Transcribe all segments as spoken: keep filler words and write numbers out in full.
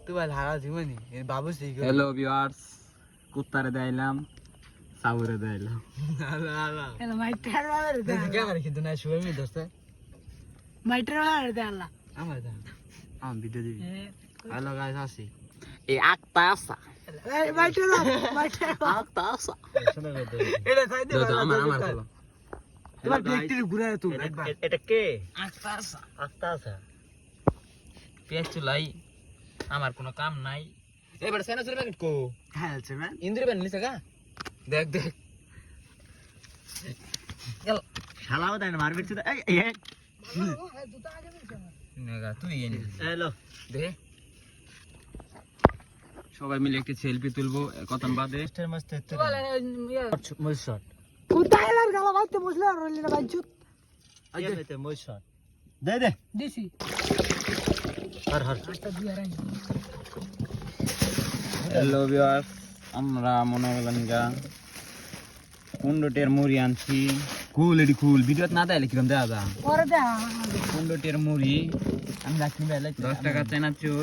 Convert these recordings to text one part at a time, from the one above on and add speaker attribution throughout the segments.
Speaker 1: তুই ভাই হারা জীবনী বাবু সেই
Speaker 2: হ্যালো ভিউয়ার্স কুত্তারে দেইলাম সাউরে দেইলাম
Speaker 1: আলা আলা
Speaker 3: এলা মাইটার মারে দে
Speaker 1: কে করে কিন্তু না শুয়ে মি দোস্ত
Speaker 3: মাইটার মারে দে আল্লাহ
Speaker 1: আমার দা আম ভিডিও দিবি হ্যালো গাইস আসি
Speaker 2: এই আকতা আসা
Speaker 3: এই মাইটার মাইটার
Speaker 2: আকতা আসা
Speaker 1: শোনা গো এটা তাই দে
Speaker 2: দাও আমার আমার বলো
Speaker 1: তোমার ব্যক্তির ঘুরে তুমি
Speaker 2: এটা কে
Speaker 3: আস্তা আসা
Speaker 2: আকতা আসা পেঁয়াজ চুলাই আমার কোনো কাম নাই এবার সেনা চুরি প্যাকেট কো
Speaker 1: হ্যাঁ আছে ম্যান
Speaker 2: ইন্দ্রি বান নিছে গা দেখ দেখ গেল
Speaker 1: শালাও দেন মারবিট তো এই এই
Speaker 3: দুটো আগে মিলছে আমার
Speaker 2: নেগা তুই এনে
Speaker 1: হ্যালো
Speaker 2: দে সবাই মিলে একটা সেলফি তুলবো কতন বাদে
Speaker 1: মিস্টার মস্ত তো
Speaker 3: বলে
Speaker 1: মই শট
Speaker 3: কোথায় এলার গালা বাইতে বসলে আর রইলি না বাইচুত
Speaker 1: আগে তে মই শট দে দে
Speaker 3: দিছি
Speaker 1: হর হর
Speaker 3: আস্তা দিয়া রাই
Speaker 2: হ্যালো ভিউয়ার্স আমরা মনে করলাম গা কুন্ডটের মুড়ি আনছি কুল এডি কুল ভিডিও না দেয় কিরম দেওয়া যা
Speaker 3: পরে দে
Speaker 2: কুন্ডটের মুড়ি
Speaker 1: আমি রাখনি বেলা
Speaker 2: দশ টাকা চেনাচুর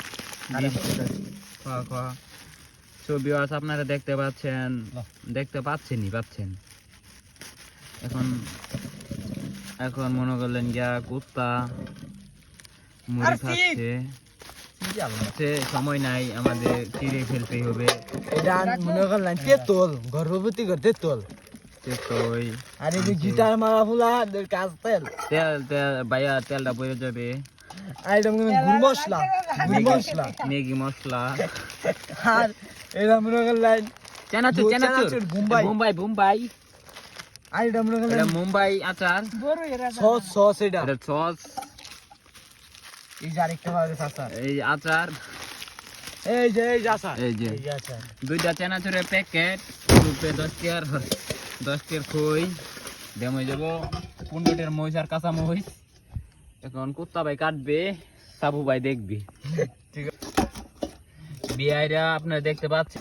Speaker 2: খাওয়া খাওয়া সো ভিউয়ার্স আপনারা দেখতে পাচ্ছেন দেখতে পাচ্ছেনই পাচ্ছেন এখন এখন মনে করলেন গিয়া কুত্তা মুড়ি খাচ্ছে সে সময় নাই আমাদের চিড়ে ফেলতেই হবে
Speaker 1: এটা মনে করলাম তেতল গর্ভবতী করতে তেতল
Speaker 2: তেতই
Speaker 1: আর এই যে গিটার মারা ফুলা কাজ তেল
Speaker 2: তেল তেল বাইয়া তেলটা বয়ে যাবে
Speaker 1: আইটেম গুলো গুড় মশলা গুড় মশলা
Speaker 2: ম্যাগি মশলা
Speaker 1: আর এটা মনে করলাম
Speaker 2: চেনাচুর চেনাচুর
Speaker 1: মুম্বাই
Speaker 2: মুম্বাই মুম্বাই
Speaker 1: আইটেম মনে
Speaker 2: এটা
Speaker 1: করলাম
Speaker 2: মুম্বাই আচার
Speaker 3: বড় এরা
Speaker 1: সস সস এটা
Speaker 2: এটা সস
Speaker 1: এই যে আরেকটা পাওয়া গেছে আচার
Speaker 2: এই আচার
Speaker 1: এই যে এই যে আচার
Speaker 2: এই যে
Speaker 1: এই যে আচার
Speaker 2: দুইটা চেনাচুরের প্যাকেট রুপে দশ টিয়ার দশ টিয়ার খই দেমই যাব পনেরো টিয়ার মহিষ আর কাঁচা মহিষ এখন কুত্তা ভাই কাটবে সাবু ভাই দেখবি
Speaker 1: ঠিক আছে
Speaker 2: বিআইরা আপনারা দেখতে পাচ্ছেন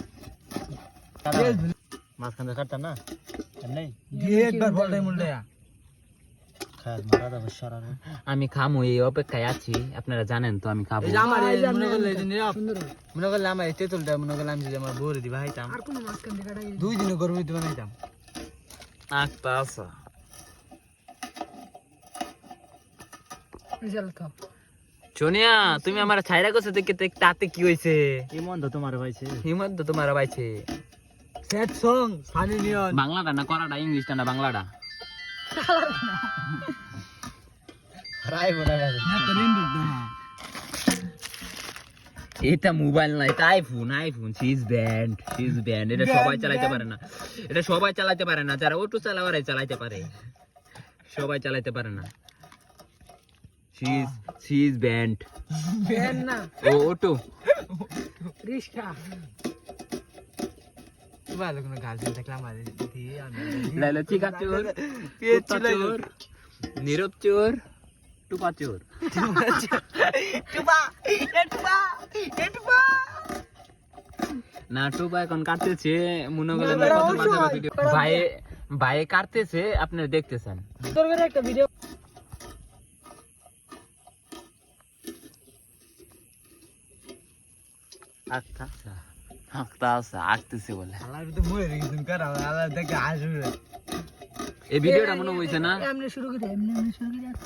Speaker 1: মাঝখান কাটতা না নেই দিয়ে একবার বলটাই মুলটা খায় মারা দাও সারা
Speaker 2: আমি খামু এই অপেক্ষায় আছি আপনারা জানেন তো আমি খাবো
Speaker 1: এই যে আমার এই মনে করলে এই দিনে মনে করলে আমার এই তেতুলটা মনে করলে আমি যে আমার বউরে দিবা খাইতাম
Speaker 3: আর কোন মাছ কান দেখাটা
Speaker 1: দুই দিনে গরমে দিবা খাইতাম
Speaker 2: আস্তা আসা
Speaker 3: রিজাল্ট খাও
Speaker 2: সোনিয়া তুমি আমার ছাইরা করছো দেখে তো তাতে কি হয়েছে
Speaker 1: কি মন তো তোমার ভাইছে
Speaker 2: হিমন্ত তোমার পাইছে
Speaker 1: সেট সং সানি নিয়ন
Speaker 2: বাংলাটা না করাটা ইংলিশটা না বাংলাটা
Speaker 1: রাই বনা গেছে না তো নিন্দু না
Speaker 2: এটা মোবাইল না এটা আইফোন আইফোন সিজ ব্যান্ড সিজ ব্যান্ড এটা সবাই চালাতে পারে না এটা সবাই চালাতে পারে না যারা অটো চালাওয়ারাই চালাতে পারে সবাই চালাতে পারে না সিজ সিজ ব্যান্ড
Speaker 3: বেন না
Speaker 2: ও অটো
Speaker 3: রিস্কা
Speaker 1: ভালো কোনো গার্লফ্রেন্ড থাকলে আমার দিয়ে আমি
Speaker 2: লাইলা চিকা চোর কুত্তা চোর নীরব চোর টুপা চোর
Speaker 3: টুবা এটুবা এটুবা
Speaker 2: না টুপা এখন কাটতেছে মনে করলেন কত মজা ভিডিও ভাই ভাই কাটতেছে আপনারা দেখতেছেন
Speaker 3: তোর করে একটা ভিডিও
Speaker 2: আচ্ছা আচ্ছা আচ্ছা আসতেছে বলে
Speaker 1: আল্লাহ তো মরে গেছেন কার আল্লাহ দেখে আসবে
Speaker 2: এই ভিডিওটা মনে হইছে না
Speaker 3: এমনি শুরু করে এমনি এমনি শুরু করে